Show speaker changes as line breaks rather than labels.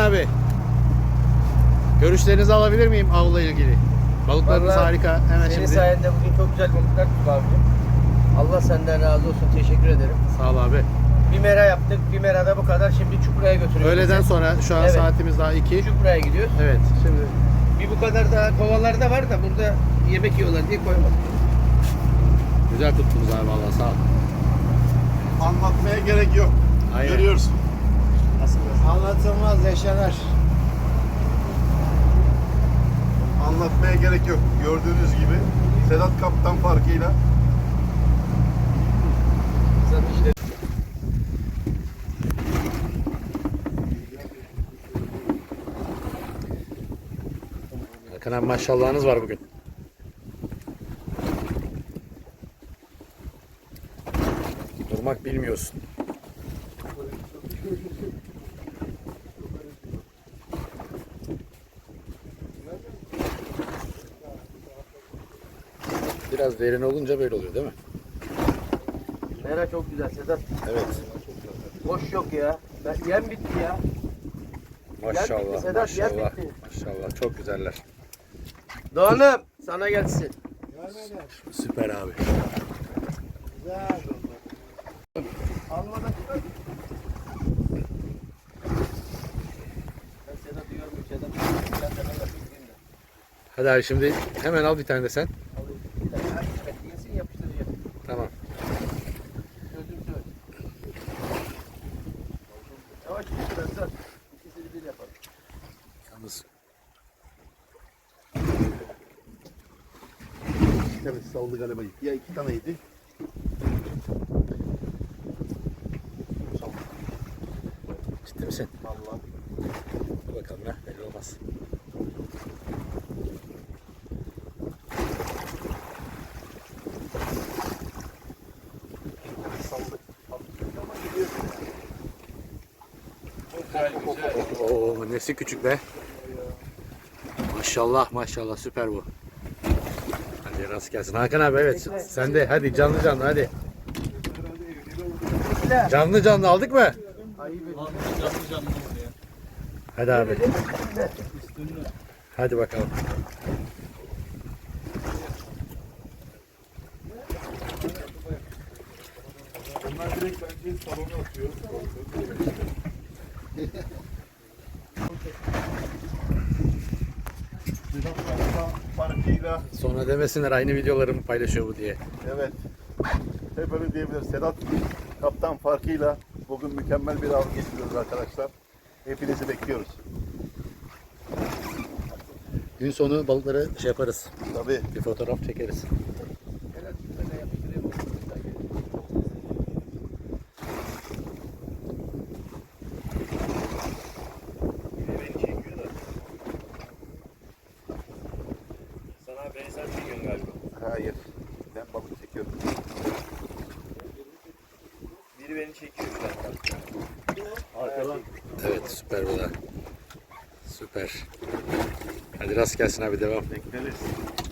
abi. Görüşlerinizi alabilir miyim avla ilgili? Balıklarınız
Vallahi
harika. Hemen
senin
şimdi.
sayende bugün çok güzel balıklar tuttuk abicim. Allah senden razı olsun. Teşekkür ederim.
Sağ ol abi.
Bir mera yaptık. Bir merada bu kadar. Şimdi Çukura'ya götürüyoruz.
Öğleden sonra şu an
Evet.
saatimiz daha 2.
Çukura'ya gidiyoruz.
Evet. Şimdi
Bir bu kadar daha kovalarda var da burada yemek yiyorlar diye koymadım.
güzel tuttunuz abi vallahi sağ ol.
Anlatmaya gerek yok.
Aynen.
Görüyorsun.
Anlatılmaz yaşanır.
Anlatmaya gerek yok. Gördüğünüz gibi Sedat Kaptan farkıyla
İşte
Hakan abi maşallahınız var bugün. Durmak bilmiyorsun. Biraz derin olunca böyle oluyor değil mi?
mera çok güzel Sedat.
Evet.
Boş yok ya. Yem bitti ya.
Maşallah,
Sedat, yer
maşallah,
bitti.
maşallah. Çok güzeller.
Doğan'ım sana gelsin.
Süper abi.
Güzel. Almadan çıkar. Ben Sedat'ı görmüyorum. Sedat. Ben de yapayım da.
Hadi abi şimdi hemen al bir tane de sen.
Alayım. Bir tane daha yesin yapıştıracağım.
Tamam.
Gözüm söyle. Yavaş biraz daha. İkisini bir yapalım.
Yalnız
bir tane saldı galiba. Ya iki taneydi.
ciddi misin?
Vallahi.
Dur bakalım ya belli olmaz.
Saldı.
Oo nesi küçük be. Maşallah maşallah süper bu. Hadi rast gelsin. Hakan abi evet sen de hadi canlı canlı hadi. Canlı canlı aldık mı? Hadi abi. Hadi bakalım.
Onlar direkt bence salona atıyor. Sedat Kaptan farkıyla
Sonra demesinler aynı videolarımı paylaşıyor bu diye.
evet. Hep öyle diyebiliriz. Sedat Kaptan farkıyla bugün mükemmel bir av geçiriyoruz arkadaşlar. Hepinizi bekliyoruz.
Gün sonu balıkları şey yaparız.
Tabii.
Bir fotoğraf çekeriz.
Beni çekiyorlar.
Sana benzer çekiyorsun galiba.
Hayır. Ben balık çekiyorum.
Biri beni çekiyor şu an.
Arkadan.
Evet süper bu da. Süper. Hadi rast gelsin abi devam.
Bekleriz.